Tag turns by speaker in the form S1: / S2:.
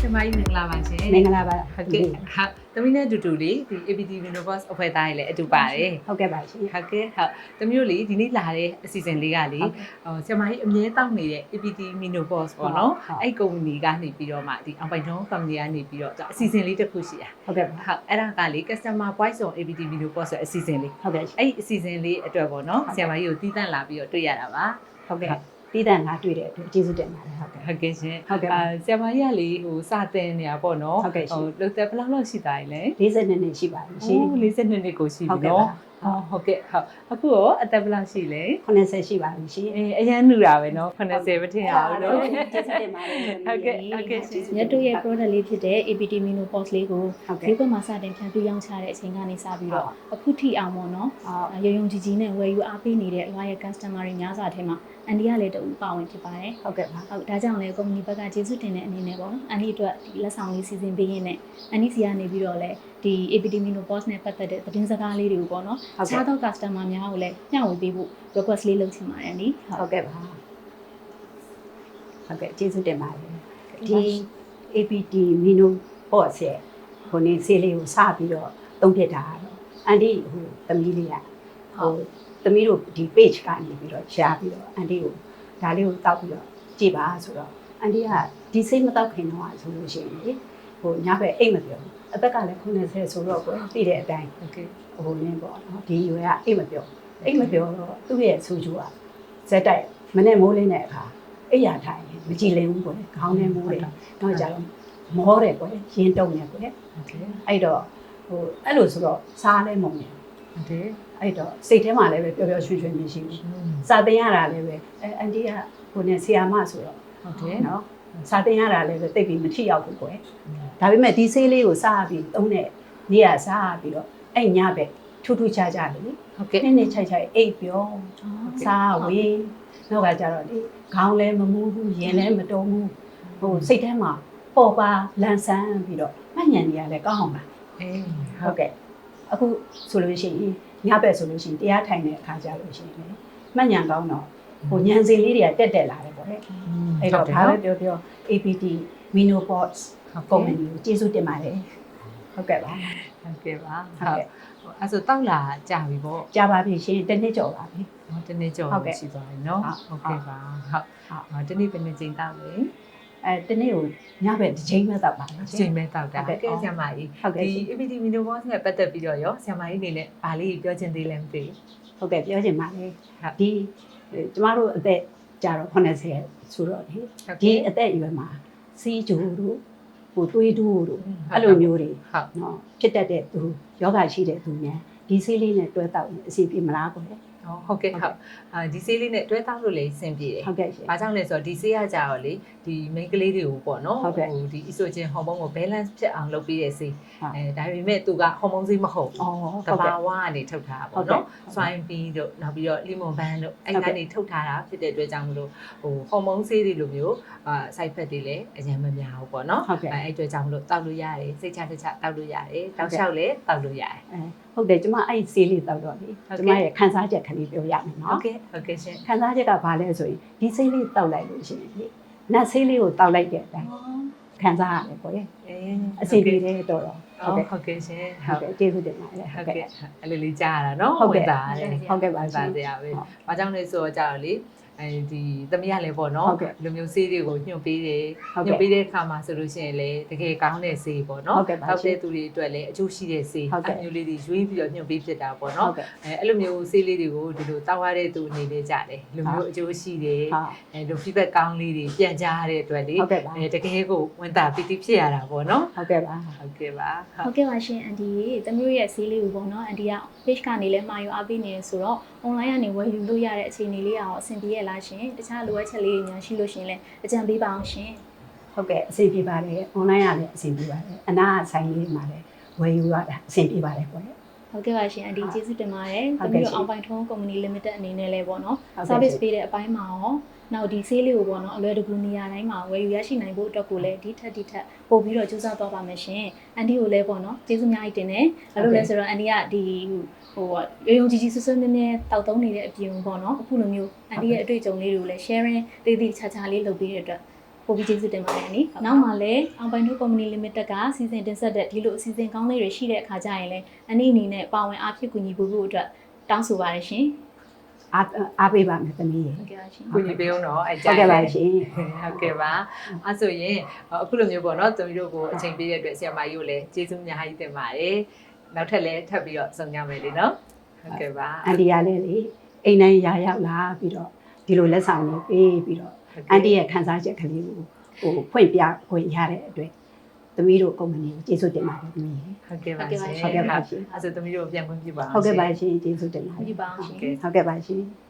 S1: င်မကြီးမင်္ဂလာပါရှင်
S2: မင်္ဂလာပါ
S1: ဟုတ်ကဲ့ဟာသမီးနဲ့အတူတူလေးဒီ APT Minoboss အဖွဲ့သားတွေလည်းအတူပါတယ်
S2: ဟုတ်ကဲ့ပါရှင်
S1: ဟုတ်ကဲ့ဟုတ်သမီးတို့လေဒီနေ့လာတဲ့အစီအစဉ်လေးကလေဆရာမကြီးအမြဲတောက်နေတဲ့ APT Minoboss ပေါ့နော်အဲ့ကုမ္ပဏီကနေပြီးတော့မှဒီအောင်ပိုင်ထုံးကုမ္ပဏီကနေပြီးတော့အစီအစဉ်လေးတစ်ခုရှိတာ
S2: ဟုတ်ကဲ့ပါ
S1: ဟုတ်အဲ့ဒါကလေ Customer Voice on APT Minoboss ဆိုတဲ့အစီအစဉ်လေး
S2: ဟုတ်ကဲ့
S1: အဲ့အစီအစဉ်လေးအတွက်ပေါ့နော်ဆရာမကြီးကိုတီးတန့်လာပြီးတော့တွေ့ရတာပါ
S2: ဟုတ်ကဲ့တီးတန့်ငါတွေ့တဲ့အတွက်ကျေးဇူးတင်ပါတယ်ဟုတ်ကဲ့
S1: ဟုတ်ကဲ့ရှင်
S2: ဟုတ်ကဲ့
S1: ဆရာမကြီးကလေဟိုစတင်နေတာပေါ့နော်
S2: ဟုတ်ကဲ့ရှင်
S1: လုံသက်ဘယ်လောက်ရှိသားလဲ
S2: 42နှစ်ရှိပါပြီရှင်
S1: 42နှစ်ကိုရှိပြီနော်ဟုတ်ကဲ့ဟုတ်အခုရောအသက်ဘယ်လောက်ရှိလဲ
S2: 80ရှိပါပြီရှင်
S1: အရန်နူတာပဲနော်80မထင်ရဘူးနော်
S2: ကျေးဇူးတင်ပါတယ်
S1: ဟုတ်ကဲ့ဟုတ်ကဲ့ရှင်
S3: မြတ်တို့ရဲ့ product လေးဖြစ်တဲ့ APT Minoboss လေးကို
S2: ဟုတ်ကဲ့
S3: ဈေးကွက်မှာစတင်ဖြန့်ဖြူးရောင်းချတဲ့အချိန်ကနေစပြီးတော့အခုထိအောင်ပေါ့နော်
S2: ဟုတ်
S3: ရုံကြီးကြီးနဲ့ဝယ်ယူအားပေးနေတဲ့ loyal customer တွေများစွာထဲမှာအန်ဒီကလည်းတူပါဝင်ဖြစ်ပါတယ်
S2: ဟုတ်ကဲ့ပါ
S3: ဟုတ်ဒါကြောင့်လည်း company ဘက်ကကျေးဇူးတင်တဲ့အနေနဲ့ပေါ့နော်အန်ဒီအတွက်ဒီလက်ဆောင်လေးစီစဉ်ပေးရင်းနဲ့အန်ဒီစီကနေပြီးတော့လည်းဒီ APT Minoboss နဲ့ပတ်သက်တဲ့သတင်းစကားလေးတွေကိုပေါ့နော်ခြားသော customer များကိုလည်းညှဝေပေးဖို့ request လေးလုပ်ချင်ပါတယ်အန်ဒီ
S2: ဟုတ်ကဲ့ပါဟုတ်ကဲ့ကျေးဇူးတင်ပါတယ်ဒီ APT Minoboss ရဲ့ခုနေဆေးလေးကိုစပြီးတော့သုံးဖြစ်တာတော့အန်ဒီဟိုသမီးလေးကဟိုသမီးတို့ဒီ page ကနေပြီးတော့ရှားပြီးတော့အန်ဒီကိုဒါလေးကိုတောက်ပြီးတော့ကြည့်ပါဆိုတော့အန်ဒီကဒီစိတ်မတောက်ခင်တော့ဆိုလို့ရှိရင်လေဟိုညဘက်အိတ်မပြောဘူးအသက်ကလည်း90ဆိုတော့ကိုသိတဲ့အတိုင်း
S1: ဟုတ်ကဲ့
S2: ဟိုနင်းပေါ့နော်ဒီရွယ်ကအိတ်မပြောတော့သူ့ရဲ့ဆူချူကဇက်တိုက်မနဲ့မိုးလင်းတဲ့အခါအိတ်ရထိုင်မကြည်လင်ဘူးပေါ့လေခေါင်းထဲမိုးတယ်တော့ကြတော့မောတယ်ပေါ့လေရင်းတုံနေပေါ့လေ
S1: ဟုတ်ကဲ့
S2: အဲ့တော့ဟိုအဲ့လိုဆိုတော့စားလဲမုံနေ
S1: ဟုတ်ကဲ့
S2: အဲ့တော့စိတ်ထဲမှာလည်းပဲပျော်ပျော်ရွှင်ရွှင်မရှိဘူးစာတင်ရတာလည်းပဲအန်တီကဟိုနဲ့ဆီယာမဆိုတော့
S1: ဟုတ်ကဲ့
S2: နော်စာတင်ရတာလည်းပဲတိတ်ပြီးမထိရောက်ဘူးကွယ်ဒါပေမဲ့ဒီဆေးလေးကိုစားပြီးသုံးတဲ့နေ့ကစားပြီးတော့အဲ့ညဘက်ထူးထူးခြားခြားလေ
S1: ဟုတ်ကဲ့
S2: နေ့ချိုက်အိတ်ပြောစားဝေးနောက်ကကြတော့လေခေါင်းလည်းမမူးဘူးရင်လည်းမတုံးဘူးဟိုစိတ်ထဲမှာပေါ်ပါလန်ဆန်းပြီးတော့မှတ်ဉာဏ်ကြီးကလည်းကောင်းအောင်ပါ
S1: အေး
S2: ဟုတ်ကဲ့အခုဆိုလို့ရှိရင်ညဘက်ဆိုလို့ရှိရင်တရားထိုင်တဲ့အခါကြလို့ရှိရင်လေမှတ်ဉာဏ်ကောင်းတော့ဟိုဉာဏ်စင်လေးတွေကတက်လာတယ်ပေါ့လေအဲ့တော့ဘာပဲပြော APT Minoboss ကုမ္ပဏီကိုကျေးဇူးတင်ပါတယ်ဟုတ်ကဲ့ပါ
S1: ဟုတ်ကဲ့ပါ
S2: ဟုတ်ကဲ့
S1: အဲ့ဆိုတောက်လာကြာပြီပေါ့
S2: ကြာပါပြီရှင်တစ်နှစ်ကျော်ပါပြီ
S1: တနေ့ကျော်ရှိသွားပြီနော်ဟုတ်ကဲ့ပါဟုတ်တနေ့ပဲနေချိန်တောက်လေ
S2: တနေ့ကိုညဘက်တစ်ချိန်မှတောက်ပါလေ
S1: ချိန်မဲတောက်တာဟုတ်ကဲ့ဆရာမကြီး
S2: ဟုတ်ကဲ့
S1: ဒီ APT Minoboss နဲ့ပတ်သက်ပြီးတော့ရောဆရာမကြီးအနေနဲ့ဗာလေးပြောချင်သေးလဲမသိ
S2: ဟုတ်ကဲ့ပြောချင်ပါလေ
S1: ဟုတ်
S2: ဒီကျမတို့အသက်ကြာတော့80ဆိုတော့လေဒီအသက်အရွယ်မှာစီးကြိုတို့ဟိုသွေးတိုးတို့အဲ့လိုမျိုးတွေ
S1: ဟုတ်
S2: နော်ဖြစ်တတ်တဲ့သူယောဂရှိတဲ့သူများဒီဆေးလေးနဲ့တွဲတောက်ရင်အစီပြေမလားပေါ့လေ
S1: ဟုတ်ကဲ့ဟုတ်ဒီဆေးလေးနဲ့တွဲတောက်လို့လည်းအဆင်ပြေတယ်
S2: ဟုတ်ကဲ့ရှင်
S1: ။ဘာကြောင့်လဲဆိုတော့ဒီဆေးရကြတော့လေဒီ main ကလေးတွေကိုပေါ့နော်
S2: ဟုတ်ကဲ့
S1: ဒီ estrogen hormone ကို balance ဖြစ်အောင်လုပ်ပေးတဲ့ဆေး
S2: ဟုတ်
S1: ဒါပေမဲ့သူက hormone ဆေးမဟုတ်
S2: အော်
S1: ဘူး
S2: ဟုတ်
S1: ။
S2: ကဲ့
S1: တဘာဝကနေထုတ်ထားတာပေါ့နော်။ swine bee တို့နောက်ပြီးတော့ lemon balm တို့အဲ့ကနေထုတ်ထားတာဖြစ်တဲ့အတွက်ကြောင့်မလို့ဟို hormone ဆေးတွေလိုမျိုးside effect တွေလည်းအရင်မများဘူးပေါ့နော်
S2: ဟုတ်ကဲ့
S1: အဲ့အတွက်ကြောင့်မလို့တောက်လို့ရတယ်စိတ်ချတစ်ချတောက်လို့ရတယ်တောက်လျှောက်လည်းတောက်လို့ရတယ်
S2: ဟုတ်တယ်ကျမအဲ့ဆေးလေးတောက်တော့လေကျမရဲ့ခန်းစားချက်ခလေးပြောရမယ်
S1: ။
S2: နော်
S1: ဟုတ်ကဲ့ရှင်
S2: ခန်းစားချက်ကဘာလဲဆိုရင်ဒီဆေးလေးတောက်လိုက်လို့ရှိရင်လေနတ်ဆေးလေးကိုတောက်လိုက်တဲ့အတိုင်းခန်းစားရတယ်ပေါ့လေ
S1: ။အေး
S2: အစီပြေတယ်တော်တော်
S1: ဟုတ်ကဲ့ရှင်
S2: ဟုတ်ကဲ့ကျေးဇူးတင်ပါတယ်
S1: ဟုတ်ကဲ့အဲ့လိုလေးကြားရတာနော်
S2: ဟုတ်ကဲ့
S1: ဝင်တာတယ်
S2: ဟုတ်ကဲ့ပါရှင်
S1: ပါတရားပဲ။ဘာကြောင့်လဲဆိုတော့ကြာတော့လေအဲဒီသမီးကလည်းပေါ့နော်
S2: ဟုတ်ကဲ့
S1: လူမျိုးဆေးတွေကိုညှို့ပေးတယ်
S2: ဟုတ်
S1: ညှို့
S2: ကဲ့
S1: ပေးတဲ့အခါမှာဆိုလို့ရှိရင်လေတကယ်ကောင်းတဲ့ဆေးပေါ့နော်
S2: ဟုတ်ကဲ့ပါ
S1: တောက်
S2: ရှင်
S1: တဲ့သူတွေအတွက်လည်းအကျိုးရှိတဲ့ဆေး
S2: ဟုတ်ကဲ့
S1: မျိုးလေးတွေရွေးပြီးတော့ညှို့ပေးဖြစ်တာပေါ့
S2: ဟု
S1: နော်
S2: တ်ကဲ့
S1: အဲ့လိုမျိုးဆေးလေးတွေကိုဒီလိုတောက်ရတဲ့သူအနေနဲ့ကြတယ်လူမျိုးအကျိုးရှိတယ်
S2: ဟာ
S1: လူ feedback ကောင်းလေးတွေပြန်ကြားရတဲ့အတွက်လေ
S2: ဟုတ်ကဲ့ပါ
S1: တကယ်ကိုဝန်တာပီတိဖြစ်ရတာပေါ့နော်
S2: ဟုတ်ကဲ့ပါ
S1: ဟုတ်ကဲ့ပါ
S3: ဟုတ်ကဲ့ပါရှင်အန်တီတမျိုးရဲ့ဈေးလေးကိုပေါ့နော်အန်တီက page ကနေလည်းမှာယူအားပေးနေတယ်ဆိုတော့ online ကနေဝယ်ယူလို့ရတဲ့အခြေအနေလေးအောင်အဆင်ပြေရလားရှင်တခြားလိုအပ်ချက်လေးတွေများရှိလို့ရှင်လဲအကြံပေးပါအောင်ရှင်
S2: ဟုတ်ကဲ့အဆင်ပြေပါတယ် online ကလည်းအဆင်ပြေပါတယ်အနားဆိုင်လေးမှာလည်းဝယ်ယူရတာအဆင်ပြေပါတယ်ပေါ့လေ
S3: ဟုတ်ကဲ့ပါရှင်အန်တီကျေးဇူးတင်ပါတယ်
S2: ဟုတ်
S3: တ
S2: ကဲ့
S3: မျိုး
S2: ရှင်
S3: အောင်ပိုင်ထုံး company limited အနေနဲ့လည်းပေါ့နော်
S2: ဟုတ်ကဲ့
S3: service
S2: ရှင်
S3: ပေးတဲ့အပိုင်းမှာရောနောက်ဒီဆေးလေးကိုပေါ့နော်အလွယ်တကူနေရာတိုင်းမှာဝယ်ယူရရှိနိုင်ဖို့အတွက်ကိုလည်းဒီထက်ပို့ပြီးတော့ကြိုးစားသွားပါမယ်ရှင်အန်တီကိုလည်းပေါ့နော်ကျေးဇူးအများကြီးတင်တယ်ဘာလို့လဲဆိုတော့အန်တီကဒီဟိုရုံကြီးဆွဆွမြဲမြဲတောက်သုံးနေတဲ့အပြင်ပေါ့နော်အခုလိုမျိုးအန်တီရဲ့အတွေ့အကြုံလေးတွေကိုလည်း sharing သေးသေးချာချာလေးလုပ်ပေးတဲ့အတွက်ပို့ပြီးကျေးဇူးတင်ပါတယ်နိနောက်မှလည်းအောင်ပိုင်တို့ company limited ကစီစဉ်တင်ဆက်တဲ့ဒီလိုအစီအစဉ်ကောင်းလေးတွေရှိတဲ့အခါကျရင်လည်းအနေနဲ့ပါဝင်အားဖြစ်ကူညီဖို့အတွက်တောင်းဆိုပါတယ်ရှင်
S2: အားပေးပါမယ်သမီးရေ
S3: ဟုတ်ကဲ့ပါရှင်
S1: ကိုကြီးပေးအောင်တော့အဲ
S2: ဟုတ်ကဲ့ပါရှင်
S1: ဟုတ်ကဲ့ပါအဲဆိုရင်အခုလိုမျိုးပေါ့နော်သမီးတို့ကိုအချိန်ပေးတဲ့အတွက်ဆရာမကြီးကိုလည်းကျေးဇူးအများကြီးတင်ပါတယ်နောက်ထပ်လည်းထပ်ပြီးတော့ဆုံကြမယ်လေနော်ဟုတ်ကဲ့ပါ
S2: အန်တီကလည်းလေအိမ်တိုင်းရာရောက်လာပြီးတော့ဒီလိုလက်ဆောင်လေးပေးပြီးတော့အန်တီရဲ့ခံစားချက်ကလေးကိုဖွင့်ပြခွင့်ရတဲ့အတွက်သမီးတို့ကုမ္ပဏီကိုကျေးဇူးတင်ပါတယ်သမီးရေ
S1: ဟုတ်ကဲ့ပါရှင်
S2: ဟုတ်ကဲ့ပါရှင်
S1: အဲဆိုသမီးတို့ပြန်ခွင့်ပြုပါအောင်
S2: ဟုတ်ကဲ့ပါရှင်ကျေးဇူးတင်ပါတ
S3: ပြ
S2: ယ်
S3: ပါအောင်ရှင်
S2: ဟုတ်ကဲ့ပါရှင်